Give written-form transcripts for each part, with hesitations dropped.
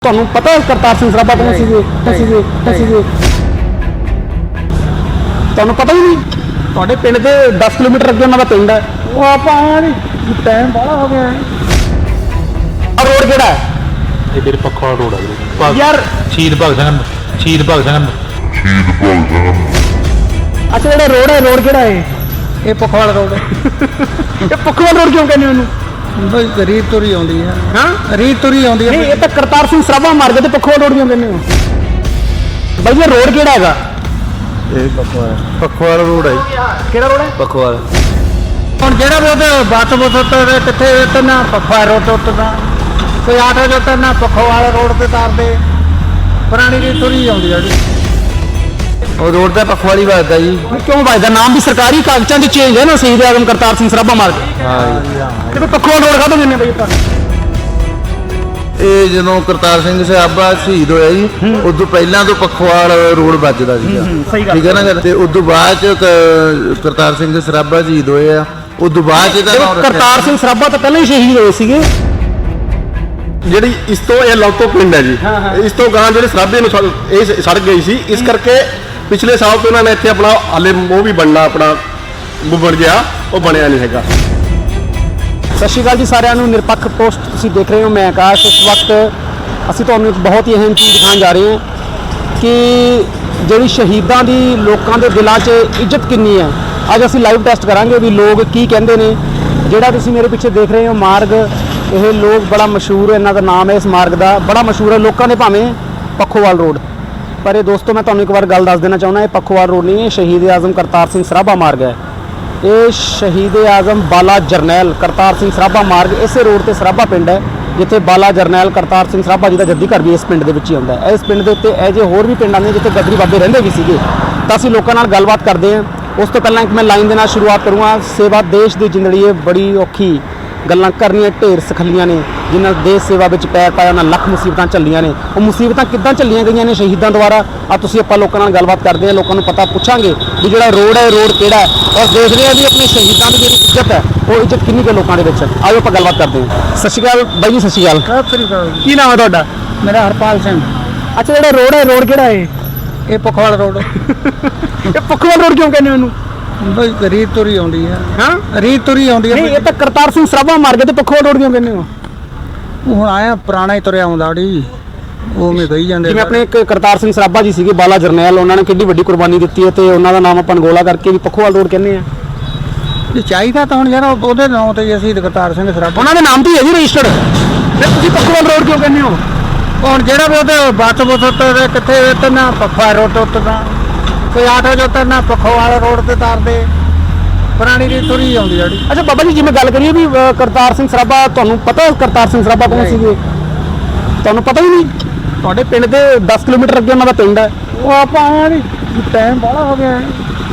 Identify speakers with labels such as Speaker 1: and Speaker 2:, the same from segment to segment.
Speaker 1: ਤੁਹਾਨੂੰ ਪਤਾ ਕਰਤਾਰ ਸਿੰਘ ਸਰਾਭਾ ਕੌਣ ਸੀਗੇ? ਤੁਹਾਨੂੰ ਪਤਾ ਹੀ ਨਹੀਂ? ਤੁਹਾਡੇ ਪਿੰਡ ਦੇ 10 ਕਿਲੋਮੀਟਰ ਅੱਗੇ ਉਹਨਾਂ ਦਾ ਪਿੰਡ ਹੈ।
Speaker 2: ਉਹ ਆਪਾਂ ਟਾਈਮ ਬਾਹਲਾ ਹੋ ਗਿਆ।
Speaker 1: ਆ ਰੋਡ ਕਿਹੜਾ ਹੈ?
Speaker 3: ਇਹ ਵੀਰ ਪੱਖੋਵਾਲ ਰੋਡ ਆ ਵੀਰੇ।
Speaker 1: ਯਾਰ
Speaker 3: ਸ਼ਹੀਦ ਭਗਤ ਸਿੰਘ
Speaker 1: ਅੱਛਾ ਜਿਹੜਾ ਰੋਡ ਹੈ, ਰੋਡ ਕਿਹੜਾ ਹੈ?
Speaker 2: ਇਹ ਪਖਵਾਲ ਰੋਡ
Speaker 1: ਇਹ ਪੱਖੋਵਾਲ ਰੋਡ ਕਿਉਂ ਕਹਿੰਦੇ ਉਹਨੂੰ?
Speaker 2: ਬਈ ਰੀਤ ਤੁਰੀ ਆਉਂਦੀ ਹੈ।
Speaker 1: ਹਾਂ
Speaker 2: ਰੀਤ ਤੁਰੀ ਆਉਂਦੀ
Speaker 1: ਨਹੀਂ,
Speaker 2: ਹੈ।
Speaker 1: ਇਹ ਤਾਂ ਕਰਤਾਰ ਸਿੰਘ ਸਰਾਭਾ ਮਾਰ ਗਏ ਤੇ ਪੱਖੋਵਾਲ ਰੋਡ ਕਿਉਂ ਕਹਿੰਦੇ ਹੋ? ਬਾਈ ਇਹ ਰੋਡ ਕਿਹੜਾ ਹੈਗਾ?
Speaker 4: ਇਹ ਪਖਵਾਲ ਰੋਡ ਹੈ।
Speaker 1: ਕਿਹੜਾ ਰੋਡ ਹੈ?
Speaker 4: ਪਖਵਾਲ
Speaker 2: ਹੁਣ ਜਿਹੜਾ ਵੀ ਉਹਦੇ ਬੱਸ ਤੇ ਕਿੱਥੇ ਉਤਰਨਾ ਪਖਵਾਲ ਰੋਡ ਤੇ ਉਤਰਨਾ, ਕੋਈ ਆਟੋ ਚ ਉਤਰਨਾ ਪਖਵਾਲ ਰੋਡ ਤੇ ਤਾਰਦੇ। ਪੁਰਾਣੀ ਰੀਤ ਤੁਰੀ ਆਉਂਦੀ ਹੈ ਜੀ।
Speaker 4: ਉਹ ਰੋਡ ਤਾਂ ਪਖਵਾਲੀ ਵੱਜਦਾ ਜੀ।
Speaker 1: ਕਿਉਂ ਵੱਜਦਾ? ਨਾਮ ਵੀ ਸਰਕਾਰੀ ਕਾਗਜ਼ਾਂ 'ਚ ਚੇਂਜ ਹੈ ਨਾ, ਸ਼ਹੀਦ ਆਜ਼ਮ ਕਰਤਾਰ ਸਿੰਘ ਸਰਾਭਾ ਮਾਰ ਕੇ।
Speaker 4: ਹਾਂ
Speaker 1: ਤੇ ਫਿਰ ਪੱਖੋਵਾਲ ਰੋਡ ਕਾਹਤੋਂ ਕਹਿੰਦੇ ਬਾਈ ਆਪਾਂ?
Speaker 4: ਇਹ ਜਦੋਂ ਕਰਤਾਰ ਸਿੰਘ ਸਰਾਭਾ ਸ਼ਹੀਦ ਹੋਇਆ ਜੀ, ਉਦੋਂ ਪਹਿਲਾਂ ਤੋਂ ਪਖਵਾਲ ਰੋਡ ਵੱਜਦਾ ਸੀਗਾ।
Speaker 1: ਸਹੀ ਗੱਲ
Speaker 4: ਠੀਕ ਹੈ ਨਾ ਗੱਲ। ਤੇ ਉਦੋਂ ਬਾਅਦ ਚ ਕਰਤਾਰ ਸਿੰਘ ਸਰਾਭਾ ਸ਼ਹੀਦ ਹੋਏ ਆ, ਉਦੋਂ ਬਾਅਦ ਚ
Speaker 1: ਦੇਖੋ ਕਰਤਾਰ ਸਿੰਘ ਸਰਾਭਾ ਤਾਂ ਪਹਿਲਾਂ ਹੀ ਸ਼ਹੀਦ ਹੋਏ ਸੀਗੇ।
Speaker 5: ਜਿਹੜੀ ਇਸ ਤੋਂ ਇਹ ਲੌਤੋ ਪਿੰਡ ਹੈ ਜੀ, ਇਸ ਤੋਂ ਗਾਂ ਜਿਹੜੇ ਸਰਾਭੇ ਨੂੰ ਇਹ ਸੜਕ ਗਈ ਸੀ, ਇਸ ਕਰਕੇ ਪਿਛਲੇ ਸਾਲ ਤੋਂ ਉਹਨਾਂ ਨੇ ਇੱਥੇ ਆਪਣਾ ਹਾਲੇ ਉਹ ਵੀ ਬਣਨਾ ਆਪਣਾ ਬਣ ਗਿਆ, ਉਹ ਬਣਿਆ ਨਹੀਂ ਹੈਗਾ।
Speaker 1: ਸਤਿ ਸ਼੍ਰੀ ਅਕਾਲ ਜੀ ਸਾਰਿਆਂ ਨੂੰ। ਨਿਰਪੱਖ ਪੋਸਟ ਤੁਸੀਂ ਦੇਖ ਰਹੇ ਹੋ, ਮੈਂ ਆਕਾਸ਼। ਇਸ ਵਕਤ ਅਸੀਂ ਤੁਹਾਨੂੰ ਇੱਕ ਬਹੁਤ ਹੀ ਅਹਿਮ ਚੀਜ਼ ਦਿਖਾਉਣ ਜਾ ਰਹੇ ਹਾਂ ਕਿ ਜਿਹੜੀ ਸ਼ਹੀਦਾਂ ਦੀ ਲੋਕਾਂ ਦੇ ਦਿਲਾਂ 'ਚ ਇੱਜ਼ਤ ਕਿੰਨੀ ਹੈ। ਅੱਜ ਅਸੀਂ ਲਾਈਵ ਟੈਸਟ ਕਰਾਂਗੇ ਵੀ ਲੋਕ ਕੀ ਕਹਿੰਦੇ ਨੇ। ਜਿਹੜਾ ਤੁਸੀਂ ਮੇਰੇ ਪਿੱਛੇ ਦੇਖ ਰਹੇ ਹੋ ਮਾਰਗ, ਇਹ ਲੋਕ ਬੜਾ ਮਸ਼ਹੂਰ ਹੈ, ਇਹਨਾਂ ਦਾ ਨਾਮ ਹੈ ਇਸ ਮਾਰਗ ਦਾ, ਬੜਾ ਮਸ਼ਹੂਰ ਹੈ ਲੋਕਾਂ ਦੇ, ਭਾਵੇਂ ਪੱਖੋਵਾਲ ਰੋਡ। ਪਰ ਇਹ ਦੋਸਤੋ ਮੈਂ ਤੁਹਾਨੂੰ ਇੱਕ ਵਾਰ ਗੱਲ ਦੱਸ ਦੇਣਾ ਚਾਹੁੰਦਾ, ਇਹ ਪੱਖੋਵਾਲ ਰੋਡ ਨਹੀਂ ਹੈ, ਸ਼ਹੀਦ ਆਜ਼ਮ ਕਰਤਾਰ ਸਿੰਘ ਸਰਾਭਾ ਮਾਰਗ ਹੈ। ਇਹ ਸ਼ਹੀਦ ਆਜ਼ਮ ਬਾਲਾ ਜਰਨੈਲ ਕਰਤਾਰ ਸਿੰਘ ਸਰਾਭਾ ਮਾਰਗ, ਇਸੇ ਰੋਡ ਤੇ ਸਰਾਭਾ ਪਿੰਡ ਹੈ, ਜਿੱਥੇ ਬਾਲਾ ਜਰਨੈਲ ਕਰਤਾਰ ਸਿੰਘ ਸਰਾਭਾ ਜੀ ਦਾ ਜੱਦੀ ਘਰ ਵੀ ਇਸ ਪਿੰਡ ਦੇ ਵਿੱਚ ਹੀ ਆਉਂਦਾ ਹੈ। ਇਸ ਪਿੰਡ ਦੇ ਉੱਤੇ ਇਹ ਜਿਹੇ ਹੋਰ ਵੀ ਪਿੰਡ ਆਉਂਦੇ ਜਿੱਥੇ ਗਦਰੀ ਬਾਬੇ ਰਹਿੰਦੇ ਵੀ ਸੀਗੇ। ਤਾਂ ਅਸੀਂ ਲੋਕਾਂ ਨਾਲ ਗੱਲਬਾਤ ਕਰਦੇ ਹਾਂ। ਉਸ ਤੋਂ ਪਹਿਲਾਂ ਇੱਕ ਮੈਂ ਲਾਈਨ ਦੇ ਨਾਲ ਸ਼ੁਰੂਆਤ ਕਰੂੰਗਾ। ਸੇਵਾ ਦੇਸ਼ ਦੀ ਜ਼ਿੰਦਗੀ ਹੈ, ਬੜੀ ਔਖੀ ਗੱਲਾਂ ਕਰਨੀਆਂ ਢੇਰ ਸਖਲੀਆਂ ਨੇ, ਜਿਨ੍ਹਾਂ ਦੇਸ਼ ਸੇਵਾ ਵਿੱਚ ਪੈਰ ਪਾਇਆ, ਉਹਨਾਂ ਲੱਖ ਮੁਸੀਬਤਾਂ ਝੱਲੀਆਂ ਨੇ। ਉਹ ਮੁਸੀਬਤਾਂ ਕਿੱਦਾਂ ਝੱਲੀਆਂ ਗਈਆਂ ਨੇ ਸ਼ਹੀਦਾਂ ਦੁਆਰਾ, ਆ ਤੁਸੀਂ ਆਪਾਂ ਲੋਕਾਂ ਨਾਲ ਗੱਲਬਾਤ ਕਰਦੇ ਹਾਂ, ਲੋਕਾਂ ਨੂੰ ਪਤਾ ਪੁੱਛਾਂਗੇ ਵੀ ਜਿਹੜਾ ਰੋਡ ਹੈ, ਰੋਡ ਕਿਹੜਾ ਹੈ, ਔਰ ਦੇਖਦੇ ਹਾਂ ਵੀ ਆਪਣੇ ਸ਼ਹੀਦਾਂ ਦੀ ਜਿਹੜੀ ਇੱਜ਼ਤ ਹੈ, ਉਹ ਇੱਜ਼ਤ ਕਿੰਨੀ ਕੁ ਲੋਕਾਂ ਦੇ ਵਿੱਚ। ਆਓ ਆਪਾਂ ਗੱਲਬਾਤ ਕਰਦੇ ਹਾਂ। ਸਤਿ ਸ਼੍ਰੀ ਅਕਾਲ ਬਾਈ ਜੀ। ਸਤਿ ਸ਼੍ਰੀ ਅਕਾਲ।
Speaker 2: ਸਤਿ ਸ੍ਰੀ ਅਕਾਲ ਜੀ।
Speaker 1: ਕੀ ਨਾਮ ਹੈ ਤੁਹਾਡਾ?
Speaker 2: ਮੇਰਾ ਹਰਪਾਲ ਸਿੰਘ।
Speaker 1: ਅੱਛਾ ਜਿਹੜਾ ਰੋਡ ਹੈ, ਰੋਡ ਕਿਹੜਾ ਹੈ?
Speaker 2: ਇਹ ਪਖਵਾਲ ਰੋਡ।
Speaker 1: ਇਹ ਪੱਖੋਵਾਲ ਰੋਡ ਕਿਉਂ ਕਹਿੰਦੇ ਹੋ ਇਹਨੂੰ?
Speaker 2: ਬਈ ਰੀਤ ਤੁਰੀ ਆਉਂਦੀ ਹੈ।
Speaker 1: ਹਾਂ
Speaker 2: ਰੀਤ ਤੁਰੀ ਆਉਂਦੀ
Speaker 1: ਨਹੀਂ,
Speaker 2: ਹੈ।
Speaker 1: ਇਹ ਤਾਂ ਕਰਤਾਰ ਸਿੰਘ ਸਰਾਭਾ ਮਾਰ ਗਏ ਤੇ ਪੱਖੋਵਾਲ ਰੋਡ ਕਿਉਂ ਕਹਿੰਦੇ ਹੋ?
Speaker 2: ਹੁਣ ਆਇਆ ਪੁਰਾਣਾ ਹੀ ਤੁਰਿਆ ਆਉਂਦਾ ਜੀ, ਉਹ ਮੈਂ ਕਹੀ ਜਾਂਦੇ।
Speaker 1: ਜਿਵੇਂ ਆਪਣੇ ਇੱਕ ਕਰਤਾਰ ਸਿੰਘ ਸਰਾਭਾ ਜੀ ਸੀਗੇ, ਬਾਲਾ ਜਰਨੈਲ, ਉਹਨਾਂ ਨੇ ਕਿੰਨੀ ਵੱਡੀ ਕੁਰਬਾਨੀ ਦਿੱਤੀ ਹੈ ਤੇ ਉਹਨਾਂ ਦਾ ਨਾਮ ਆਪਾਂ ਗੋਲਾ ਕਰਕੇ ਵੀ ਪੱਖੋਵਾਲ ਰੋਡ ਕਹਿੰਦੇ ਆ।
Speaker 2: ਜੇ ਚਾਹੀਦਾ ਤਾਂ ਹੁਣ ਯਾਰ ਉਹਦੇ ਨਾਂ ਤੇ ਅਸੀਂ ਕਰਤਾਰ ਸਿੰਘ ਸਰਾਭਾ।
Speaker 1: ਉਹਨਾਂ ਦੇ ਨਾਮ ਤੇ ਹੀ ਹੈ ਜੀ ਰਜਿਸਟਰਡ। ਫਿਰ ਤੁਸੀਂ ਪੱਖੋਵਾਲ ਰੋਡ ਕਿਉਂ ਕਹਿੰਦੇ ਹੋ?
Speaker 2: ਹੁਣ ਜਿਹੜਾ ਵੀ ਉਹਦੇ ਬੱਸ ਤੇ ਕਿੱਥੇ ਉਤਰਨਾ ਪਖਵਾਲ ਰੋਡ ਤੇ ਉਤਰਨਾ, ਕੋਈ ਆਟੋ ਚ ਉਤਰਨਾ ਪਖਵਾਲ ਰੋਡ ਤੇ ਤਾਰਦੇ। ਪੁਰਾਣੀ ਰੀਤ ਤੁਰੀ ਆਉਂਦੀ ਹੈ ਜੀ।
Speaker 1: ਅੱਛਾ ਬਾਬਾ ਜੀ, ਜਿਵੇਂ ਗੱਲ ਕਰੀਏ ਵੀ ਕਰਤਾਰ ਸਿੰਘ ਸਰਾਭਾ, ਤੁਹਾਨੂੰ ਪਤਾ ਕਰਤਾਰ ਸਿੰਘ ਸਰਾਭਾ ਕੌਣ ਸੀਗੇ? ਤੁਹਾਨੂੰ ਪਤਾ ਹੀ ਨਹੀਂ? ਤੁਹਾਡੇ ਪਿੰਡ ਦੇ 10 ਕਿਲੋਮੀਟਰ ਅੱਗੇ ਉਹਨਾਂ ਦਾ ਪਿੰਡ ਹੈ।
Speaker 2: ਉਹ ਆਪਾਂ ਟਾਈਮ ਬਾਹਲਾ ਹੋ ਗਿਆ।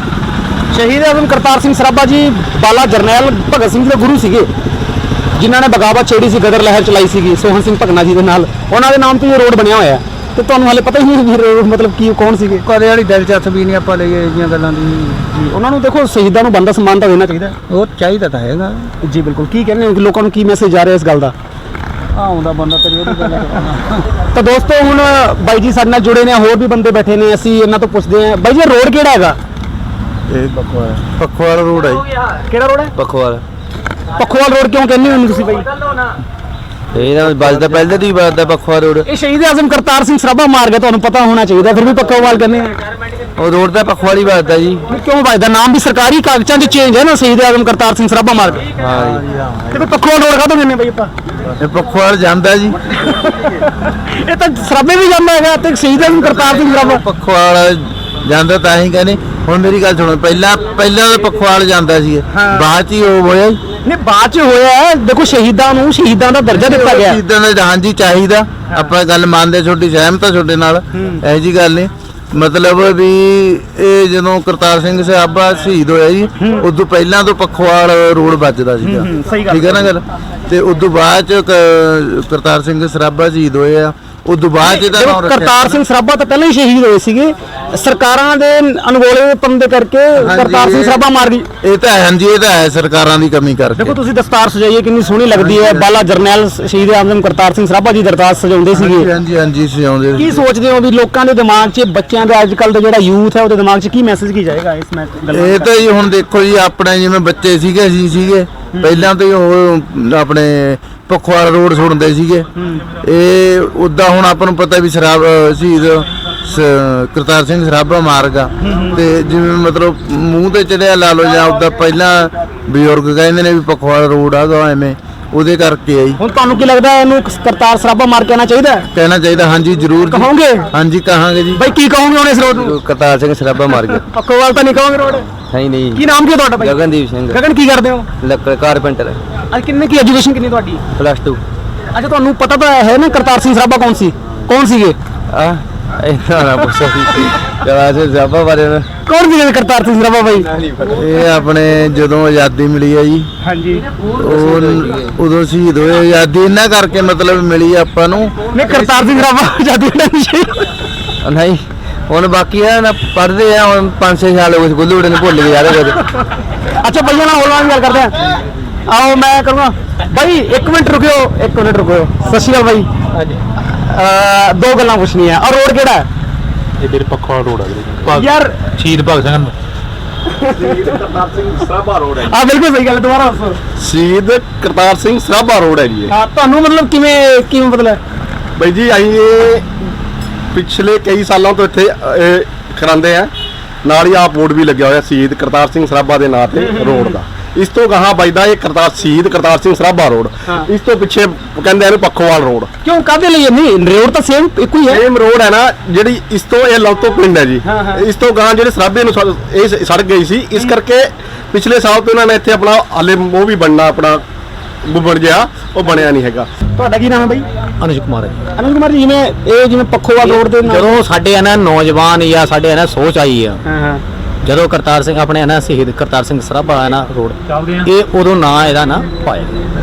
Speaker 1: ਸ਼ਹੀਦ ਆਜ਼ਮ ਕਰਤਾਰ ਸਿੰਘ ਸਰਾਭਾ ਜੀ ਬਾਲਾ ਜਰਨੈਲ ਭਗਤ ਸਿੰਘ ਦੇ ਗੁਰੂ ਸੀਗੇ, ਜਿਨ੍ਹਾਂ ਨੇ ਬਗਾਵਤ ਛੇੜੀ ਸੀ, ਗਦਰ ਲਹਿਰ ਚਲਾਈ ਸੀਗੀ ਸੋਹਣ ਸਿੰਘ ਭਗਨਾ ਜੀ ਦੇ ਨਾਲ। ਉਹਨਾਂ ਦੇ ਨਾਮ ਤੇ ਇਹ ਰੋਡ ਬਣਿਆ ਹੋਇਆ ਹੈ। ਤੇ ਤੁਹਾਨੂੰ ਹਾਲੇ ਪਤਾ ਹੀ ਨਹੀਂ ਵੀ ਮਤਲਬ ਕੀ ਕੌਣ ਸੀਗੇ?
Speaker 2: ਕਦੇ ਵਾਲੀ ਦਿਲਚਸਪੀ ਨਹੀਂ ਆਪਾਂ ਲਈਏ ਇਹ ਜਿਹੀਆਂ ਗੱਲਾਂ ਦੀ।
Speaker 1: ਉਹਨਾਂ ਨੂੰ ਦੇਖੋ, ਸ਼ਹੀਦਾਂ ਨੂੰ ਬੰਦਾ ਸਨਮਾਨ ਤਾਂ ਦੇਣਾ ਚਾਹੀਦਾ।
Speaker 2: ਉਹ ਚਾਹੀਦਾ ਤਾਂ ਹੈਗਾ
Speaker 1: ਜੀ ਬਿਲਕੁਲ। ਕੀ ਕਹਿੰਦੇ ਹੋ ਕਿ ਲੋਕਾਂ ਨੂੰ ਕੀ ਮੈਸੇਜ ਆ ਰਿਹਾ ਇਸ ਗੱਲ ਦਾ?
Speaker 2: ਆਉਂਦਾ ਬੰਦਾ ਤੇਰੀ ਉਹਦੀ ਗੱਲ ਕਰਨਾ।
Speaker 1: ਤਾਂ ਦੋਸਤੋ ਹੁਣ ਬਾਈ ਜੀ ਸਾਡੇ ਨਾਲ ਜੁੜੇ ਨੇ, ਹੋਰ ਵੀ ਬੰਦੇ ਬੈਠੇ ਨੇ, ਅਸੀਂ ਇਹਨਾਂ ਤੋਂ ਪੁੱਛਦੇ ਹਾਂ। ਬਾਈ ਜੀ ਰੋਡ ਕਿਹੜਾ ਹੈਗਾ?
Speaker 4: ਇਹ ਪਖਵਾਲ ਰੋਡ ਹੈ।
Speaker 1: ਕਿਹੜਾ ਰੋਡ ਹੈ?
Speaker 4: ਪਖਵਾਲ
Speaker 1: ਪੱਖੋਵਾਲ ਰੋਡ ਕਿਉਂ ਕਹਿੰਦੇ ਹੋ ਤੁਸੀਂ ਬਾਈ?
Speaker 4: ਇਹ ਨਾ ਵੱਜਦਾ ਪਹਿਲੇ ਦੀ ਵੱਜਦਾ ਪਖਵਾਲ ਰੋਡ।
Speaker 1: ਇਹ ਸ਼ਹੀਦ ਆਜ਼ਮ ਕਰਤਾਰ ਸਿੰਘ ਸਰਾਭਾ ਮਾਰ ਗਏ, ਤੁਹਾਨੂੰ ਪਤਾ ਹੋਣਾ ਚਾਹੀਦਾ, ਫਿਰ ਵੀ ਪੱਖੋਵਾਲ ਕਹਿੰਦੇ ਆ।
Speaker 4: ਉਹ ਰੋਡ ਤਾਂ ਪਖਵਾਲੀ ਵੱਜਦਾ ਜੀ।
Speaker 1: ਕਿਉਂ ਵੱਜਦਾ? ਨਾਮ ਵੀ ਸਰਕਾਰੀ ਕਾਗਜ਼ਾਂ 'ਚ ਚੇਂਜ ਹੈ ਨਾ, ਸ਼ਹੀਦ ਆਜ਼ਮ ਕਰਤਾਰ ਸਿੰਘ ਸਰਾਭਾ ਮਾਰ ਗਏ।
Speaker 4: ਹਾਂ ਜੀ।
Speaker 1: ਤੇ ਫਿਰ ਪੱਖੋਵਾਲ ਰੋਡ ਕਾਹਤੋਂ ਕਹਿੰਦੇ ਬਾਈ ਆਪਾਂ?
Speaker 4: ਇਹ ਪਖਵਾਲ ਜਾਂਦਾ ਜੀ।
Speaker 1: ਇਹ ਤਾਂ ਸਰਾਭੇ ਵੀ ਜਾਂਦਾ ਹੈਗਾ ਤੇ ਸ਼ਹੀਦ ਆਜ਼ਮ ਕਰਤਾਰ ਸਿੰਘ ਸਰਾਭਾ।
Speaker 4: ਪਖਵਾਲ ਜਾਂਦਾ ਤਾਂ ਹੀ ਕਹਿੰਦੇ। ਹੁਣ ਮੇਰੀ ਗੱਲ ਸੁਣੋ, ਪਹਿਲਾਂ ਤਾਂ ਪਖਵਾਲ ਜਾਂਦਾ ਸੀ, ਬਾਅਦ ਚ ਹੀ ਉਹ ਹੋਇਆ।
Speaker 1: ਨਹੀਂ ਬਾਅਦ 'ਚ ਹੋਇਆ ਹੈ। ਦੇਖੋ ਸ਼ਹੀਦਾਂ ਨੂੰ ਸ਼ਹੀਦਾਂ ਦਾ ਦਰਜਾ ਦਿੱਤਾ ਗਿਆ।
Speaker 4: ਸ਼ਹੀਦਾਂ ਦਾ ਹਾਂਜੀ ਚਾਹੀਦਾ, ਆਪਾਂ ਗੱਲ ਮੰਨਦੇ, ਛੋਟੀ ਸਹਿਮਤ ਆ ਤੁਹਾਡੇ ਨਾਲ, ਇਹੋ ਜੀ ਗੱਲ ਨਹੀਂ। ਮਤਲਬ ਵੀ ਇਹ ਜਦੋਂ ਕਰਤਾਰ ਸਿੰਘ ਸਰਾਭਾ ਸ਼ਹੀਦ ਹੋਇਆ ਜੀ, ਉਦੋਂ ਪਹਿਲਾਂ ਤੋਂ ਪਖਵਾਲ ਰੋਡ ਵੱਜਦਾ ਸੀਗਾ। ਠੀਕ ਹੈ ਨਾ ਗੱਲ। ਤੇ ਉਦੋਂ ਬਾਅਦ ਚ ਕਰਤਾਰ ਸਿੰਘ ਸਰਾਭਾ ਸ਼ਹੀਦ ਹੋਏ ਆ, ਉਦੋਂ ਬਾਅਦ ਇਹਦਾ
Speaker 1: ਦੇਖੋ,
Speaker 4: ਨਾਮ ਰੱਖਿਆ
Speaker 1: ਕਰਤਾਰ ਸਿੰਘ ਸਰਾਭਾ ਤਾਂ ਪਹਿਲਾਂ ਹੀ ਸ਼ਹੀਦ ਹੋਏ ਸੀਗੇ, ਸਰਕਾਰਾਂ ਦੇ ਅਣਗੌਲੇਪਨ ਦੇ ਕਰਕੇ ਕਰਤਾਰ ਸਿੰਘ ਸਰਾਭਾ ਮਾਰ ਗਈ।
Speaker 4: ਇਹ ਤਾਂ ਹੈ, ਹਾਂਜੀ ਇਹ ਤਾਂ ਹੈ ਸਰਕਾਰਾਂ ਦੀ ਕਮੀ ਕਰਕੇ।
Speaker 1: ਦੇਖੋ ਤੁਸੀਂ ਦਸਤਾਰ ਸਜਾਈਏ ਕਿੰਨੀ ਸੋਹਣੀ ਲੱਗਦੀ ਹੈ, ਬਾਲਾ ਜਰਨੈਲ ਸ਼ਹੀਦ ਆਜ਼ਮ ਕਰਤਾਰ ਸਿੰਘ ਸਰਾਭਾ ਜੀ ਦਸਤਾਰ ਸਜਾਉਂਦੇ ਸੀਗੇ।
Speaker 4: ਹਾਂਜੀ ਸਜਾਉਂਦੇ
Speaker 1: ਕੀ ਸੋਚਦੇ ਹੋ ਵੀ ਲੋਕਾਂ ਦੇ ਦਿਮਾਗ 'ਚ, ਬੱਚਿਆਂ ਦੇ ਅੱਜ ਕੱਲ ਦਾ ਜਿਹੜਾ ਯੂਥ ਹੈ ਉਹਦੇ ਦਿਮਾਗ 'ਚ ਕੀ ਮੈਸੇਜ ਕੀ ਜਾਏਗਾ ਇਸ
Speaker 4: ਇਹ ਤਾਂ ਜੀ ਹੁਣ ਦੇਖੋ ਜੀ, ਆਪਣੇ ਜਿਵੇਂ ਬੱਚੇ ਸੀਗੇ ਅਸੀਂ ਸੀਗੇ ਪਹਿਲਾਂ ਤੋਂ ਹੀ ਉਹ ਆਪਣੇ ਪਖਵਾਲ ਰੋਡ ਸੁਣਦੇ ਸੀਗੇ। ਇਹ ਉਦਾਂ ਹੁਣ ਆਪਾਂ ਨੂੰ ਪਤਾ ਵੀ ਸ਼ਹੀਦ ਕਰਤਾਰ ਸਿੰਘ ਸਰਾਭਾ ਮਾਰਗਾ ਤੇ ਜਿਵੇਂ ਮਤਲਬ ਮੂੰਹ ਤੇ ਚੜਿਆ ਲਾ ਲਓ ਜਾਂ ਉਦਾਂ ਪਹਿਲਾਂ ਬਜ਼ੁਰਗ ਕਹਿੰਦੇ ਨੇ ਵੀ ਪਖਵਾਲ ਰੋਡ ਆਗਾ ਐਵੇਂ, ਉਹਦੇ ਕਰਕੇ ਆਈ।
Speaker 1: ਹੁਣ ਤੁਹਾਨੂੰ ਕੀ ਲੱਗਦਾ ਇਹਨੂੰ ਕਰਤਾਰ ਸਰਾਭਾ ਮਾਰ ਕੇ ਆਉਣਾ ਚਾਹੀਦਾ ਹੈ?
Speaker 4: ਕਹਿਣਾ ਚਾਹੀਦਾ, ਹਾਂਜੀ ਜ਼ਰੂਰ ਜੀ।
Speaker 1: ਕਹੋਗੇ?
Speaker 4: ਹਾਂਜੀ ਕਹਾਂਗੇ ਜੀ।
Speaker 1: ਬਾਈ ਕੀ ਕਹੋਗੇ ਹੁਣ ਇਸ ਰੋਡ ਨੂੰ?
Speaker 4: ਕਰਤਾਰ ਸਿੰਘ ਸਰਾਭਾ ਮਾਰ ਗਿਆ।
Speaker 1: ਪੱਖੋਵਾਲ ਤਾਂ ਨਹੀਂ ਕਹੋਗੇ ਰੋਡ?
Speaker 4: ਨਹੀਂ ਨਹੀਂ।
Speaker 1: ਕੀ ਨਾਮ ਕੀ ਹੈ ਤੁਹਾਡਾ ਬਾਈ?
Speaker 4: ਗਗਨਦੀਪ ਸਿੰਘ।
Speaker 1: ਗਗਨ ਕੀ ਕਰਦੇ ਹੋ?
Speaker 4: ਲੱਕੜ ਕਾਰਪੈਂਟਰ।
Speaker 1: ਅੱਜ ਕਿੰਨੇ ਕੀ ਐਜੂਕੇਸ਼ਨ ਕਿੰਨੀ ਤੁਹਾਡੀ?
Speaker 4: +2।
Speaker 1: ਅੱਛਾ ਤੁਹਾਨੂੰ ਪਤਾ ਤਾਂ ਹੈ ਨਾ ਕਰਤਾਰ ਸਿੰਘ ਸਰਾਭਾ ਕੌਣ ਸੀਗੇ?
Speaker 4: ਇਹਨਾਂ ਨਾ ਪੁੱਛੋ ਕਰਤਾਰ ਸਿੰਘ ਸਰਾਭਾ ਬਾਰੇ।
Speaker 1: ਕੌਣ ਸੀਗੇ ਕਰਤਾਰ ਸਿੰਘ ਸਰਾਭਾ ਬਾਈ?
Speaker 4: ਇਹ ਆਪਣੇ ਜਦੋਂ ਆਜ਼ਾਦੀ ਮਿਲੀ ਹੈ ਜੀ,
Speaker 1: ਹਾਂਜੀ,
Speaker 4: ਉਦੋਂ ਸ਼ਹੀਦ ਹੋਏ। ਆਜ਼ਾਦੀ ਇਹਨਾਂ ਕਰਕੇ ਮਤਲਬ ਮਿਲੀ ਆਪਾਂ ਨੂੰ।
Speaker 1: ਨਹੀਂ ਕਰਤਾਰ ਸਿੰਘ ਸਰਾਭਾ ਆਜ਼ਾਦੀ ਨਹੀਂ।
Speaker 4: ਨਹੀਂ ਹੁਣ ਬਾਕੀ ਆ ਨਾ ਪੜ੍ਹਦੇ ਆ, ਹੁਣ 5-6 ਸਾਲ ਹੋ ਗਏ ਗੁੱਲੂ ਨੇ ਭੁੱਲ ਗਏ ਯਾਰ।
Speaker 1: ਅੱਛਾ ਭਈਆ ਨਾਲ ਹੋਰ ਨਾਲ ਗੱਲ ਕਰਦੇ ਆ। ਆਓ ਮੈਂ ਕਰੂੰਗਾ ਬਾਈ, 1 ਮਿੰਟ ਰੁਕਿਓ, 1 ਮਿੰਟ ਰੁਕਿਓ। ਸਤਿ ਸ਼੍ਰੀ ਅਕਾਲ ਬਾਈ।
Speaker 3: ਹਾਂਜੀ,
Speaker 1: ਦੋ ਗੱਲਾਂ ਪੁੱਛਣੀਆਂ। ਔਰ ਰੋਡ ਕਿਹੜਾ ਹੈ?
Speaker 3: ਇਹ ਵੀਰੇ ਪੱਖੋਵਾਲ ਰੋਡ ਆ ਵੀਰੇ।
Speaker 1: ਯਾਰ
Speaker 3: ਸ਼ਹੀਦ ਭਗਤ ਸਿੰਘ
Speaker 5: ਕਰਤਾਰ ਸਿੰਘ ਸਰਾਭਾ ਰੋਡ ਹੈ
Speaker 1: ਆ ਬਿਲਕੁਲ ਸਹੀ ਗੱਲ, ਦੁਬਾਰਾ ਦੱਸੋ।
Speaker 5: ਸ਼ਹੀਦ ਕਰਤਾਰ ਸਿੰਘ ਸਰਾਭਾ ਰੋਡ ਹੈ ਜੀ ਇਹ।
Speaker 1: ਹਾਂ ਤੁਹਾਨੂੰ ਮਤਲਬ ਕਿਵੇਂ ਮਤਲਬ?
Speaker 5: ਬਾਈ ਜੀ ਅਸੀਂ ਇਹ ਪਿਛਲੇ ਕਈ ਸਾਲਾਂ ਤੋਂ ਇੱਥੇ ਕਰਾਉਂਦੇ ਆ। ਨਾਲ ਹੀ ਆਹ ਬੋਰਡ ਵੀ ਲੱਗਿਆ ਹੋਇਆ ਸ਼ਹੀਦ ਕਰਤਾਰ ਸਿੰਘ ਸਰਾਭਾ ਦੇ ਨਾਂ ਤੇ ਰੋਡ ਦਾ। ਇਸ ਤੋਂ ਗਾਹਾਂ ਵੱਜਦਾ ਇਹ ਸ਼ਹੀਦ ਕਰਤਾਰ ਸਿੰਘ ਸਰਾਭਾ ਰੋਡ। ਇਸ ਤੋਂ ਪਿੱਛੇ ਕਹਿੰਦੇ ਇਹਨੂੰ ਪੱਖੋਵਾਲ ਰੋਡ।
Speaker 1: ਕਿਉਂ ਕਾਹਦੇ ਲਈ? ਨਹੀਂ ਰੋਡ ਤਾਂ ਸੇਮ ਇੱਕੋ ਹੀ ਹੈ।
Speaker 5: ਸੇਮ ਰੋਡ ਹੈ ਨਾ, ਜਿਹੜੀ ਇਸ ਤੋਂ ਇਹ ਲੌਤੋ ਪਿੰਡ ਹੈ ਜੀ। ਇਸ ਤੋਂ ਗਾਹਾਂ ਜਿਹੜੇ ਸਰਾਭੇ ਨੂੰ ਇਹ ਸੜਕ ਗਈ ਸੀ, ਇਸ ਕਰਕੇ ਪਿਛਲੇ ਸਾਲ ਤੋਂ ਇਹਨਾਂ ਨੇ ਇੱਥੇ ਆਪਣਾ ਹਾਲੇ ਉਹ ਵੀ ਬਣਨਾ, ਆਪਣਾ ਬਣ ਗਿਆ, ਉਹ ਬਣਿਆ ਨਹੀਂ ਹੈਗਾ।
Speaker 1: ਤੁਹਾਡਾ ਕੀ ਨਾਮ ਹੈ ਬਾਈ?
Speaker 6: ਅਨੁਜ ਕੁਮਾਰ ਹੈ।
Speaker 1: ਅਨੰਦ ਕੁਮਾਰ ਜੀ, ਜਿਵੇਂ ਪੱਖੋਵਾਲ ਰੋਡ ਦੇ ਨਾਲ
Speaker 6: ਜਦੋਂ ਸਾਡੇ ਹੈ ਨਾ ਨੌਜਵਾਨ ਜਾਂ ਸਾਡੇ ਹੈ ਨਾ ਸੋਚ ਆਈ ਆ,
Speaker 1: ਹਾਂ
Speaker 6: ਜਦੋਂ ਕਰਤਾਰ ਸਿੰਘ ਆਪਣੇ ਹੈ ਨਾ ਸ਼ਹੀਦ ਕਰਤਾਰ ਸਿੰਘ ਸਰਾਭਾ ਹੈ ਨਾ ਰੋਡ, ਇਹ ਉਦੋਂ ਨਾਂ ਇਹਦਾ ਨਾ ਪਾਇਆ।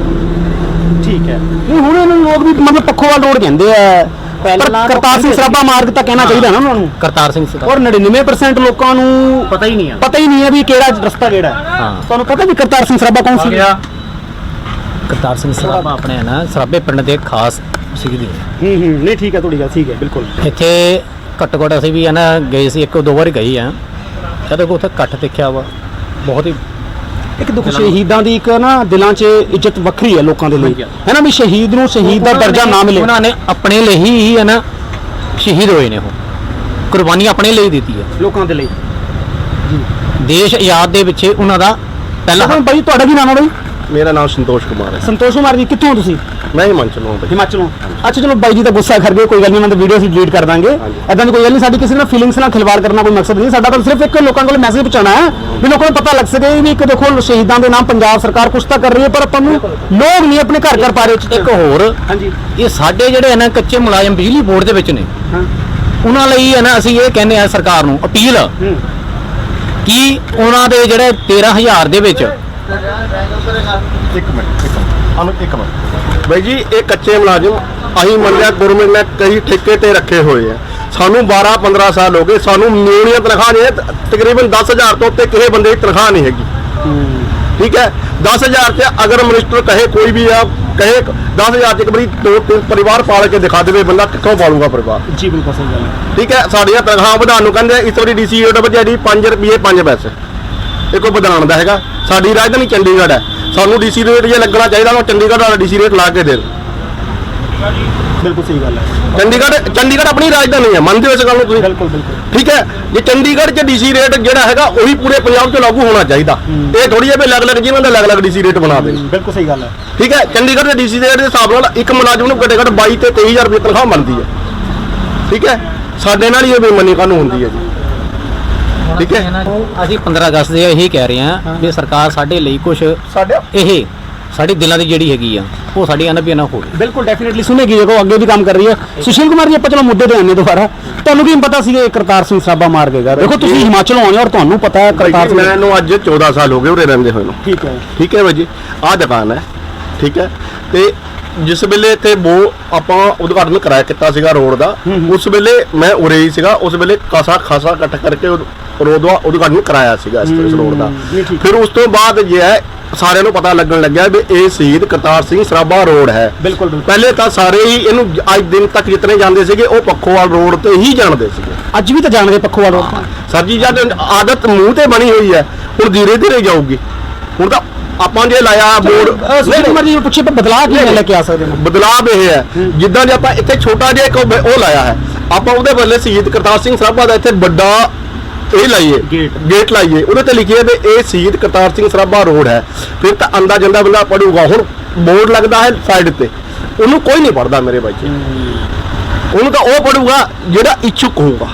Speaker 1: ਠੀਕ ਹੈ। ਨਹੀਂ ਹੁਣ ਇਹਨਾਂ ਨੂੰ ਲੋਕ ਵੀ ਮਤਲਬ ਪੱਖੋਵਾਲ ਰੋਡ ਕਹਿੰਦੇ ਆ, ਪਰ ਕਰਤਾਰ ਸਿੰਘ ਸਰਾਭਾ ਮਾਰਗ ਤਾਂ ਕਹਿਣਾ ਚਾਹੀਦਾ ਨਾ ਉਹਨਾਂ ਨੂੰ।
Speaker 6: ਕਰਤਾਰ ਸਿੰਘ ਸਰਾਭਾ
Speaker 1: ਔਰ 99% ਲੋਕਾਂ ਨੂੰ
Speaker 6: ਪਤਾ ਹੀ ਨਹੀਂ ਆ,
Speaker 1: ਪਤਾ ਹੀ ਨਹੀਂ ਹੈ ਵੀ ਕਿਹੜਾ ਰਸਤਾ ਕਿਹੜਾ ਹੈ।
Speaker 6: ਹਾਂ।
Speaker 1: ਤੁਹਾਨੂੰ ਪਤਾ ਵੀ ਕਰਤਾਰ ਸਿੰਘ ਸਰਾਭਾ ਕੌਣ ਸੀ?
Speaker 6: ਕਰਤਾਰ ਸਿੰਘ ਸਰਾਭਾ ਆਪਣੇ ਹੈ ਨਾ ਸਰਾਭੇ ਪਿੰਡ ਦੇ ਖਾਸ ਸ਼ਹੀਦ ਨੇ।
Speaker 1: ਨਹੀਂ ਠੀਕ ਹੈ, ਤੁਹਾਡੀ ਗੱਲ ਠੀਕ ਹੈ ਬਿਲਕੁਲ।
Speaker 6: ਇੱਥੇ ਘੱਟੋ ਘੱਟ ਅਸੀਂ ਵੀ ਹੈ ਨਾ ਗਏ ਸੀ, 1-2 ਵਾਰ ਗਏ ਆ। ਜਦੋਂ ਉੱਥੇ ਇਕੱਠ ਦੇਖਿਆ ਵਾ, ਬਹੁਤ ਹੀ
Speaker 1: ਇੱਕ ਦੇਖੋ ਸ਼ਹੀਦਾਂ ਦੀ ਇੱਕ ਨਾ ਦਿਲਾਂ 'ਚ ਇੱਜ਼ਤ ਵੱਖਰੀ ਹੈ ਲੋਕਾਂ ਦੇ ਲਈ, ਹੈ ਨਾ, ਵੀ ਸ਼ਹੀਦ ਨੂੰ ਸ਼ਹੀਦ ਦਾ ਦਰਜਾ ਨਾ ਮਿਲੇ।
Speaker 6: ਉਹਨਾਂ ਨੇ ਆਪਣੇ ਲਈ ਹੀ ਹੈ ਨਾ ਸ਼ਹੀਦ ਹੋਏ ਨੇ, ਉਹ ਕੁਰਬਾਨੀ ਆਪਣੇ ਲਈ ਦਿੱਤੀ ਹੈ
Speaker 1: ਲੋਕਾਂ ਦੇ ਲਈ।
Speaker 6: ਦੇਸ਼ ਆਜ਼ਾਦ ਦੇ ਪਿੱਛੇ ਉਹਨਾਂ ਦਾ ਪਹਿਲਾ
Speaker 1: ਪਹਿਲਾਂ ਬਾਈ ਤੁਹਾਡਾ ਕੀ ਨਾਮ ਹੈ ਬਾਈ?
Speaker 5: ਮੇਰਾ ਨਾਮ ਸੰਤੋਸ਼ ਕੁਮਾਰ ਹੈ।
Speaker 1: ਸੰਤੋਸ਼ ਕੁਮਾਰ ਜੀ, ਕਿੱਥੋਂ ਹੋ ਤੁਸੀਂ?
Speaker 5: ਮੈਂ ਹਿਮਾਚਲ ਤੋਂ ਹਾਂ।
Speaker 1: ਹਿਮਾਚਲੋਂ। ਅੱਛਾ ਚਲੋ ਬਾਈ ਜੀ ਤਾਂ ਗੁੱਸਾ ਕਰ ਗਏ, ਕੋਈ ਗੱਲ ਨਹੀਂ, ਉਹਨਾਂ ਦੀ ਵੀਡੀਓ ਅਸੀਂ ਡਿਲੀਟ ਕਰ ਦਾਂਗੇ। ਐਦਾਂ ਦੀ ਕੋਈ ਗੱਲ ਨਹੀਂ, ਸਾਡੀ ਕਿਸੇ ਨਾਲ ਫੀਲਿੰਗਸ ਨਾਲ ਖਿਲਵਾੜ ਕਰਨਾ ਕੋਈ ਮਕਸਦ ਨਹੀਂ। ਸਾਡਾ ਤਾਂ ਸਿਰਫ ਇੱਕ ਲੋਕਾਂ ਕੋਲ ਮੈਸੇਜ ਪਹੁੰਚਾਉਣਾ ਹੈ ਵੀ ਲੋਕਾਂ ਨੂੰ ਪਤਾ ਲੱਗ ਸਕੇ ਵੀ ਇੱਕ ਦੇਖੋ ਸ਼ਹੀਦਾਂ ਦੇ ਨਾਮ ਪੰਜਾਬ ਸਰਕਾਰ ਕੁਛ ਤਾਂ ਕਰ ਰਹੀ ਹੈ, ਪਰ ਆਪਾਂ ਨੂੰ ਲੋਕ ਨਹੀਂ ਆਪਣੇ ਘਰ ਪਾ ਰਹੇ।
Speaker 6: ਇੱਕ ਹੋਰ,
Speaker 1: ਹਾਂਜੀ,
Speaker 6: ਇਹ ਸਾਡੇ ਜਿਹੜੇ ਹੈ ਨਾ ਕੱਚੇ ਮੁਲਾਜ਼ਮ ਬਿਜਲੀ ਬੋਰਡ ਦੇ ਵਿੱਚ ਨੇ, ਉਹਨਾਂ ਲਈ ਹੈ ਨਾ ਅਸੀਂ ਇਹ ਕਹਿੰਦੇ ਆ ਸਰਕਾਰ ਨੂੰ ਅਪੀਲ ਕਿ ਉਹਨਾਂ ਦੇ ਜਿਹੜੇ 13,000 ਦੇ ਵਿੱਚ
Speaker 5: ਇੱਕ ਮਿੰਟ ਬਾਈ ਜੀ, ਇਹ ਕੱਚੇ ਮੁਲਾਜ਼ਮ ਅਸੀਂ ਮੰਨਿਆ ਗਵਰਨਮੈਂਟ ਨੇ ਕਈ ਠੇਕੇ ਤੇ ਰੱਖੇ ਹੋਏ ਆ। ਸਾਨੂੰ 12-15 ਸਾਲ ਹੋ ਗਏ, ਸਾਨੂੰ ਮਿਲਣੀਆਂ ਤਨਖਾਹ ਨੇ ਤਕਰੀਬਨ 10,000 ਤੋਂ ਉੱਤੇ ਕਿਸੇ ਬੰਦੇ ਦੀ ਤਨਖਾਹ ਨਹੀਂ ਹੈਗੀ। ਠੀਕ ਹੈ, 10,000 ਤੇ ਅਗਰ ਮਿਨਿਸਟਰ ਕਹੇ ਕੋਈ ਵੀ ਆ ਕਹੇ 10,000 ਚ ਇੱਕ ਵਾਰੀ 2-3 ਪਰਿਵਾਰ ਪਾਲ ਕੇ ਦਿਖਾ ਦੇਵੇ, ਬੰਦਾ ਕਿੱਥੋਂ ਪਾਲੂਗਾ ਪਰਿਵਾਰ?
Speaker 1: ਜੀ ਬਿਲਕੁਲ ਸਹੀ ਗੱਲ ਹੈ।
Speaker 5: ਠੀਕ ਹੈ, ਸਾਡੀਆਂ ਤਨਖਾਹਾਂ ਵਧਾਉਣ ਨੂੰ ਕਹਿੰਦੇ ਇਸ ਵਾਰੀ ਡੀਸੀ ਰੇਟ ਵਧਿਆ ਜੀ 5 ਰੁਪਏ 5 ਪੈਸੇ। ਇਹ ਕੋਈ ਵਧਾਉਣ ਦਾ ਹੈਗਾ? ਸਾਡੀ ਰਾਜਧਾਨੀ ਚੰਡੀਗੜ੍ਹ ਹੈ, ਸਾਨੂੰ ਡੀਸੀ ਰੇਟ ਜੇ ਲੱਗਣਾ ਚਾਹੀਦਾ ਉਹ ਚੰਡੀਗੜ੍ਹ ਵਾਲਾ ਡੀਸੀ ਰੇਟ ਲਾ ਕੇ ਦੇ।
Speaker 1: ਬਿਲਕੁਲ ਸਹੀ ਗੱਲ ਹੈ।
Speaker 5: ਚੰਡੀਗੜ੍ਹ ਆਪਣੀ ਰਾਜਧਾਨੀ ਹੈ, ਮੰਨਦੇ ਹੋ ਇਸ ਗੱਲ ਨੂੰ ਤੁਸੀਂ?
Speaker 1: ਬਿਲਕੁਲ ਬਿਲਕੁਲ।
Speaker 5: ਠੀਕ ਹੈ, ਜੇ ਚੰਡੀਗੜ੍ਹ 'ਚ ਡੀਸੀ ਰੇਟ ਜਿਹੜਾ ਹੈਗਾ ਉਹੀ ਪੂਰੇ ਪੰਜਾਬ 'ਚ ਲਾਗੂ ਹੋਣਾ ਚਾਹੀਦਾ। ਇਹ ਥੋੜੀ ਜਿਹੀ ਅਲੱਗ-ਅਲੱਗ ਜਿਹਨਾਂ ਦਾ ਅਲੱਗ-ਅਲੱਗ ਡੀਸੀ ਰੇਟ ਬਣਾ ਦੇ।
Speaker 1: ਬਿਲਕੁਲ ਸਹੀ ਗੱਲ ਹੈ।
Speaker 5: ਠੀਕ ਹੈ, ਚੰਡੀਗੜ੍ਹ ਦੇ ਡੀਸੀ ਰੇਟ ਦੇ ਹਿਸਾਬ ਨਾਲ ਇੱਕ ਮੁਲਾਜ਼ਮ ਨੂੰ ਘੱਟੋ ਘੱਟ 22 ਤੇ 23,000 ਰੁਪਏ ਤਨਖਾਹ ਮਿਲਦੀ ਹੈ। ਠੀਕ ਹੈ, ਸਾਡੇ ਨਾਲ ਹੀ ਇਹ ਬੇਈਮਾਨੀ ਕਾਹਨੂੰ ਹੁੰਦੀ ਹੈ ਜੀ? ਠੀਕ ਹੈ,
Speaker 6: ਅਸੀਂ 15 ਅਗਸਤ ਦੇ ਇਹੀ ਕਹਿ ਰਹੇ ਹਾਂ ਵੀ ਸਰਕਾਰ ਸਾਡੇ ਲਈ ਕੁਝ ਇਹ ਸਾਡੇ ਦਿਲਾਂ ਦੀ ਜਿਹੜੀ ਹੈਗੀ ਆ ਉਹ ਸਾਡੀ ਅਨਬੀਆਂ ਨਾ ਹੋਵੇ।
Speaker 1: ਬਿਲਕੁਲ ਡੈਫੀਨਿਟਲੀ ਸੁਣੇਗੀ, ਦੇਖੋ ਅੱਗੇ ਵੀ ਕੰਮ ਕਰ ਰਹੀ ਹੈ। ਸੁਸ਼ੀਲ ਕੁਮਾਰ ਜੀ, ਆਪਾਂ ਚਲੋ ਮੁੱਦੇ ਤੇ ਆਨੇ ਦੁਬਾਰਾ। ਤੁਹਾਨੂੰ ਕੀ ਪਤਾ ਸੀ ਕਿ ਕਰਤਾਰ ਸਿੰਘ ਸਰਾਭਾ ਮਾਰ ਗਏਗਾ? ਦੇਖੋ ਤੁਸੀਂ ਹਿਮਾਚਲੋਂ ਆਏ ਹੋ ਔਰ ਤੁਹਾਨੂੰ ਪਤਾ ਹੈ ਕਰਤਾਰ ਸਿੰਘ।
Speaker 5: ਮੈਨੂੰ ਅੱਜ 14 ਸਾਲ ਹੋ ਗਏ ਉਰੇ ਰਹਿੰਦੇ ਹੋਏ ਨੂੰ।
Speaker 1: ਠੀਕ ਹੈ,
Speaker 5: ਠੀਕ ਹੈ ਬਾਈ ਜੀ, ਆਹ ਦੁਕਾਨ ਹੈ। ਠੀਕ ਹੈ, ਤੇ ਜਿਸ ਵੇਲੇ ਇੱਥੇ ਆਪਾਂ ਉਦਘਾਟਨ ਕਰਾਇਆ ਕੀਤਾ ਸੀਗਾ ਰੋਡ ਦਾ, ਉਸ ਵੇਲੇ ਮੈਂ ਉਰੇ ਹੀ ਸੀਗਾ। ਉਸ ਵੇਲੇ ਖਾਸਾ ਇਕੱਠ ਕਰਕੇ ਰੋਡ ਦਾ ਉਦਘਾਟਨ ਕਰਾਇਆ ਸੀਗਾ ਇਸ ਰੋਡ ਦਾ। ਫਿਰ ਉਸ ਤੋਂ ਬਾਅਦ ਜੇ ਹੈ ਸਾਰਿਆਂ ਨੂੰ ਪਤਾ ਲੱਗਣ ਲੱਗਿਆ ਵੀ ਇਹ ਸ਼ਹੀਦ ਕਰਤਾਰ ਸਿੰਘ ਸਰਾਭਾ ਰੋਡ ਹੈ।
Speaker 1: ਬਿਲਕੁਲ
Speaker 5: ਪਹਿਲੇ ਤਾਂ ਸਾਰੇ ਹੀ ਇਹਨੂੰ ਅੱਜ ਦਿਨ ਤੱਕ ਜਿਤਨੇ ਜਾਂਦੇ ਸੀਗੇ ਉਹ ਪੱਖੋਵਾਲ ਰੋਡ ਤੇ ਹੀ ਜਾਣਦੇ ਸੀਗੇ।
Speaker 1: ਅੱਜ ਵੀ ਤਾਂ ਜਾਣਦੇ ਪੱਖੋਵਾਲ ਰੋਡ
Speaker 5: ਸਰ ਜੀ, ਜਦ ਆਦਤ ਮੂੰਹ ਤੇ ਬਣੀ ਹੋਈ ਹੈ, ਹੁਣ ਧੀਰੇ ਧੀਰੇ ਜਾਊਗੀ। ਹੁਣ ਤਾਂ ਆਪਾਂ ਜੇ ਲਾਇਆ ਬੋਰਡ
Speaker 1: ਮਰਜੀ ਪੁੱਛੇ ਪਰ ਬਦਲਾਅ ਕੀ ਲੈ ਕੇ ਆ ਸਕਦੇ ਨੇ?
Speaker 5: ਬਦਲਾਅ ਇਹ ਹੈ, ਜਿੱਦਾਂ ਜੇ ਆਪਾਂ ਇੱਥੇ ਛੋਟਾ ਜਿਹਾ ਇੱਕ ਉਹ ਲਾਇਆ ਹੈ, ਆਪਾਂ ਉਹਦੇ ਬਦਲੇ ਸ਼ਹੀਦ ਕਰਤਾਰ ਸਿੰਘ ਸਰਾਭਾ ਦਾ ਇੱਥੇ ਵੱਡਾ ਇਹ ਲਾਈਏ ਗੇਟ ਲਾਈਏ, ਉਹਦੇ ਤੇ ਲਿਖੀਏ ਵੀ ਇਹ ਸ਼ਹੀਦ ਕਰਤਾਰ ਸਿੰਘ ਸਰਾਭਾ ਰੋਡ ਹੈ। ਫਿਰ ਤਾਂ ਆਂਦਾ ਜਾਂਦਾ ਬੰਦਾ ਪੜੂਗਾ। ਹੁਣ ਬੋਰਡ ਲੱਗਦਾ ਹੈ ਸਾਈਡ ਤੇ, ਉਹਨੂੰ ਕੋਈ ਨਹੀਂ ਪੜਦਾ ਮੇਰੇ ਬੱਚੇ। ਉਹਨੂੰ ਤਾਂ ਉਹ ਪੜੂਗਾ ਜਿਹੜਾ ਇੱਛੁਕ ਹੋਊਗਾ,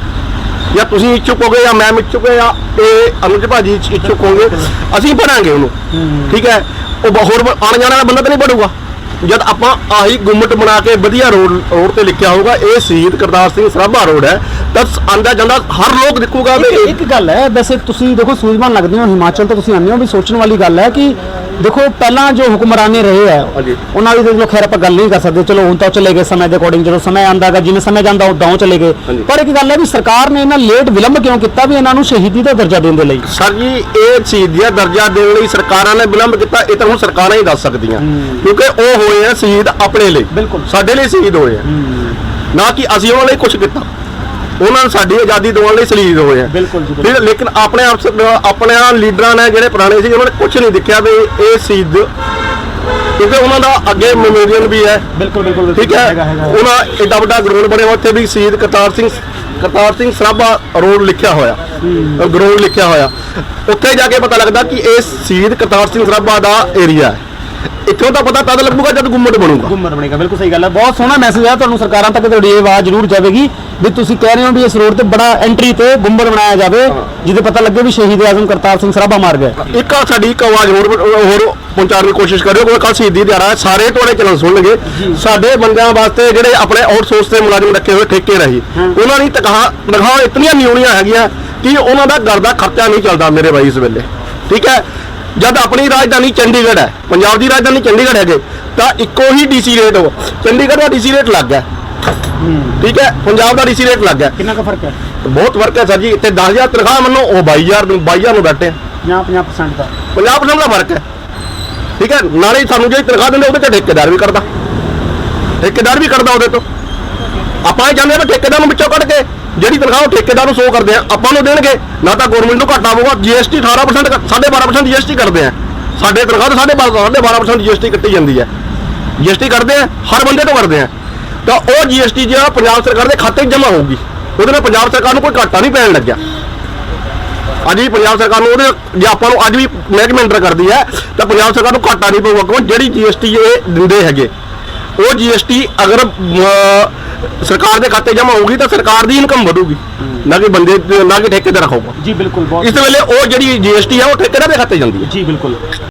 Speaker 5: ਜਾਂ ਤੁਸੀਂ ਇੱਛੁਕ ਹੋਗੇ ਜਾਂ ਮੈਂ ਇੱਛੁਕ ਜਾਂ ਇਹ ਅਨੁਜ ਭਾਜੀ ਇੱਛੁਕ ਹੋਗੇ, ਅਸੀਂ ਪੜਾਂਗੇ ਉਹਨੂੰ। ਠੀਕ ਹੈ, ਉਹ ਹੋਰ ਆਣ ਜਾਣ ਵਾਲਾ ਬੰਦਾ ਤਾਂ ਨਹੀਂ ਪੜੂਗਾ। ਜਦ ਆਪਾਂ ਆਹੀ ਗੁੰਮਟ ਬਣਾ ਕੇ ਵਧੀਆ ਰੋਡ ਤੇ ਲਿਖਿਆ ਹੋਊਗਾ ਇਹ ਸ਼ਹੀਦ ਕਰਤਾਰ ਸਿੰਘ ਸਰਾਭਾ ਰੋਡ ਹੈ, ਤਾਂ ਆਂਦਾ ਜਾਂਦਾ ਹਰ ਲੋਕ ਦੇਖੂਗਾ ਵੀ
Speaker 1: ਇੱਕ ਗੱਲ ਹੈ। ਵੈਸੇ ਤੁਸੀਂ ਦੇਖੋ ਸੂਝਵਾਨ ਲੱਗਦੇ ਹੋ, ਹਿਮਾਚਲ ਤੋਂ ਤੁਸੀਂ ਆਉਂਦੇ ਹੋ, ਵੀ ਸੋਚਣ ਵਾਲੀ ਗੱਲ ਹੈ ਕਿ ਦੇਖੋ ਪਹਿਲਾਂ ਜੋ ਹੁਕਮਰਾਨੇ ਰਹੇ ਆ ਉਹਨਾਂ ਦੀ ਦੇਖ ਲਓ, ਖੈਰ ਆਪਾਂ ਗੱਲ ਨਹੀਂ ਕਰ ਸਕਦੇ, ਚਲੋ ਹੁਣ ਤਾਂ ਚਲੇ ਗਏ ਸਮੇਂ ਦੇ ਅਕੋਰਡਿੰਗ, ਜਦੋਂ ਸਮਾਂ ਆਂਦਾਗਾ ਜਿਵੇਂ ਸਮੇਂ ਜਾਂਦਾ ਉਦਾਂ ਚਲੇ ਗਏ। ਪਰ ਇੱਕ ਗੱਲ ਹੈ ਵੀ ਸਰਕਾਰ ਨੇ ਇਹਨਾਂ ਲੇਟ ਵਿਲੰਬ ਕਿਉਂ ਕੀਤਾ ਵੀ ਇਹਨਾਂ ਨੂੰ ਸ਼ਹੀਦੀ ਦਾ ਦਰਜਾ ਦੇਣ ਦੇ ਲਈ?
Speaker 5: ਸਰ ਜੀ, ਇਹ ਸ਼ਹੀਦੀ ਦਾ ਦਰਜਾ ਦੇਣ ਲਈ ਸਰਕਾਰਾਂ ਨੇ ਵਿਲੰਬ ਕੀਤਾ, ਇਹ ਤਾਂ ਹੁਣ ਸਰਕਾਰਾਂ ਹੀ ਦੱਸ ਸਕਦੀਆਂ, ਕਿਉਂਕਿ ਉਹ ਹੋਏ ਆ ਸ਼ਹੀਦ ਆਪਣੇ ਲਈ, ਬਿਲਕੁਲ ਸਾਡੇ ਲਈ ਸ਼ਹੀਦ ਹੋਏ ਆ, ਨਾ ਕਿ ਅਸੀਂ ਉਹਨਾਂ ਲਈ ਕੁਝ ਕੀਤਾ। ਉਹਨਾਂ ਨੇ ਸਾਡੀ ਆਜ਼ਾਦੀ ਦਿਵਾਉਣ ਲਈ ਸ਼ਹੀਦ ਹੋਏ ਆ। ਫਿਰ ਲੇਕਿਨ ਆਪਣੇ ਲੀਡਰਾਂ ਨੇ ਜਿਹੜੇ ਪੁਰਾਣੇ ਸੀ ਉਹਨਾਂ ਨੇ ਕੁਝ ਨਹੀਂ ਦੇਖਿਆ ਵੀ ਇਹ ਸ਼ਹੀਦ, ਕਿਉਂਕਿ ਉਹਨਾਂ ਦਾ ਅੱਗੇ ਮੈਮੋਰੀਅਲ ਵੀ ਹੈ। ਬਿਲਕੁਲ ਠੀਕ ਹੈ, ਉਹਨਾਂ ਏਡਾ ਵੱਡਾ ਗਰਾਊਂਡ ਬਣਿਆ ਉੱਥੇ ਵੀ ਸ਼ਹੀਦ ਕਰਤਾਰ ਸਿੰਘ ਸਰਾਭਾ ਰੋਡ ਲਿਖਿਆ ਹੋਇਆ, ਗਰਾਊਂਡ ਲਿਖਿਆ ਹੋਇਆ। ਉੱਥੇ ਜਾ ਕੇ ਪਤਾ ਲੱਗਦਾ ਕਿ ਇਹ ਸ਼ਹੀਦ ਕਰਤਾਰ ਸਿੰਘ ਸਰਾਭਾ ਦਾ ਏਰੀਆ ਹੈ। ਇੱਥੋਂ ਤਾਂ ਪਤਾ ਤਦ ਲੱਗੂਗਾ ਜਦ ਗੁੰਮਟ ਬਣੇਗਾ।
Speaker 1: ਬਿਲਕੁਲ ਸਹੀ ਗੱਲ ਹੈ, ਬਹੁਤ ਸੋਹਣਾ ਮੈਸੇਜ ਹੈ ਤੁਹਾਨੂੰ ਸਰਕਾਰਾਂ ਤੱਕ ਤੁਹਾਡੀ ਇਹ ਆਵਾਜ਼ ਜ਼ਰੂਰ ਜਾਵੇਗੀ ਵੀ ਤੁਸੀਂ ਕਹਿ ਰਹੇ ਹੋ ਵੀ ਇਸ ਰੋਡ ਤੇ ਬੜਾ ਐਂਟਰੀ ਤੇ ਗੁੰਮਟ ਬਣਾਇਆ ਜਾਵੇ, ਜਿਹਦੇ ਪਤਾ ਲੱਗੇ ਵੀ ਸ਼ਹੀਦ ਆਜ਼ਮ ਕਰਤਾਰ ਸਿੰਘ ਸਰਾਭਾ ਮਾਰ ਗਏ।
Speaker 5: ਇੱਕ ਸਾਡੀ ਇੱਕ ਆਵਾਜ਼ ਹੋਰ ਪਹੁੰਚਾਉਣ ਦੀ ਕੋਸ਼ਿਸ਼ ਕਰਿਓ, ਕੋਈ ਕੱਲ ਸ਼ਹੀਦੀ ਦਿਹਾੜਾ ਹੈ, ਸਾਰੇ ਤੁਹਾਡੇ ਚੈਨਲ ਸੁਣਨਗੇ। ਸਾਡੇ ਬੰਦਿਆਂ ਵਾਸਤੇ ਜਿਹੜੇ ਆਪਣੇ ਆਊਟਸੋਰਸ ਦੇ ਮੁਲਾਜ਼ਮ ਰੱਖੇ ਹੋਏ ਠੇਕੇ ਰਹੀ, ਉਹਨਾਂ ਦੀ ਤਨਖਾਹਾਂ ਇਤਨੀਆਂ ਨਿਊਣੀਆਂ ਹੈਗੀਆਂ ਕਿ ਉਹਨਾਂ ਦਾ ਘਰ ਦਾ ਖਰਚਾ ਨਹੀਂ ਚੱਲਦਾ ਮੇਰੇ ਬਾਈ ਇਸ ਵੇਲੇ। ਠੀਕ ਹੈ, ਜਦ ਆਪਣੀ ਰਾਜਧਾਨੀ ਚੰਡੀਗੜ੍ਹ ਹੈ, ਪੰਜਾਬ ਦੀ ਰਾਜਧਾਨੀ ਚੰਡੀਗੜ੍ਹ ਹੈਗੇ, ਤਾਂ ਇੱਕੋ ਹੀ ਡੀਸੀ ਰੇਟ ਹੋ, ਚੰਡੀਗੜ੍ਹ ਦਾ ਡੀਸੀ ਰੇਟ ਲੱਗ ਗਿਆ, ਠੀਕ ਹੈ, ਪੰਜਾਬ ਦਾ ਡੀਸੀ ਰੇਟ ਲੱਗ ਗਿਆ।
Speaker 1: ਕਿੰਨਾ ਕੁ ਫਰਕ ਹੈ?
Speaker 5: ਬਹੁਤ ਫਰਕ ਹੈ ਸਰ ਜੀ। ਇੱਥੇ 10,000 ਤਨਖਾਹ ਮੰਨੋ, ਉਹ 22,000 ਨੂੰ ਬੈਠੇ
Speaker 1: 50% ਦਾ
Speaker 5: 50% ਦਾ ਫਰਕ ਹੈ। ਠੀਕ ਹੈ, ਨਾਲੇ ਸਾਨੂੰ ਜਿਹੜੀ ਤਨਖਾਹ ਦਿੰਦੇ ਉਹਦੇ ਤੇ ਠੇਕੇਦਾਰ ਵੀ ਕਰਦਾ ਉਹਦੇ ਤੋਂ। ਆਪਾਂ ਇਹ ਚਾਹੁੰਦੇ ਹਾਂ ਠੇਕੇਦਾਰ ਨੂੰ ਵਿੱਚੋਂ ਕੱਢ ਕੇ ਜਿਹੜੀ ਤਨਖਾਹ ਉਹ ਠੇਕੇਦਾਰ ਨੂੰ 100 ਕਰਦੇ ਆ, ਆਪਾਂ ਨੂੰ ਦੇਣਗੇ ਨਾ, ਤਾਂ ਗਵਰਨਮੈਂਟ ਨੂੰ ਘਾਟਾ ਪਊਗਾ। GST 18% 12.5% GST ਕਰਦੇ ਆ, ਸਾਡੇ ਤਨਖਾਹ ਤੋਂ 12.5% GST ਕੱਟੀ ਜਾਂਦੀ ਹੈ। GST ਕਰਦੇ ਆ, ਹਰ ਬੰਦੇ ਤੋਂ ਕਰਦੇ ਆ, ਤਾਂ ਉਹ GST ਜਿਹੜਾ ਪੰਜਾਬ ਸਰਕਾਰ ਦੇ ਖਾਤੇ 'ਚ ਜਮ੍ਹਾਂ ਹੋਊਗੀ, ਉਹਦੇ ਨਾਲ ਪੰਜਾਬ ਸਰਕਾਰ ਨੂੰ ਕੋਈ ਘਾਟਾ ਨਹੀਂ ਪੈਣ ਲੱਗਿਆ। ਅੱਜ ਵੀ ਪੰਜਾਬ ਸਰਕਾਰ ਨੂੰ ਉਹਦੇ ਜੇ ਆਪਾਂ ਨੂੰ ਅੱਜ ਵੀ ਮਹਿਕਮੇ ਅੰਡਰ ਕਰਦੀ ਹੈ ਤਾਂ ਪੰਜਾਬ ਸਰਕਾਰ ਨੂੰ ਘਾਟਾ ਨਹੀਂ ਪਊਗਾ, ਕਿਉਂ ਜਿਹੜੀ GST ਇਹ ਦਿੰਦੇ ਹੈਗੇ ਉਹ GST ਅਗਰ ਸਰਕਾਰ ਦੇ ਖਾਤੇ ਜਮ੍ਹਾਂ ਹੋਊਗੀ ਤਾਂ ਸਰਕਾਰ ਦੀ ਇਨਕਮ ਵਧੂਗੀ, ਨਾ ਕਿ ਠੇਕੇਦਾਰ ਰੱਖੂਗਾ।
Speaker 1: ਜੀ ਬਿਲਕੁਲ।
Speaker 5: ਇਸ ਵੇਲੇ ਉਹ ਜਿਹੜੀ GST ਹੈ ਉਹ ਠੇਕੇਦਾਰ ਦੇ ਖਾਤੇ ਜਾਂਦੀ ਹੈ।
Speaker 1: ਜੀ ਬਿਲਕੁਲ।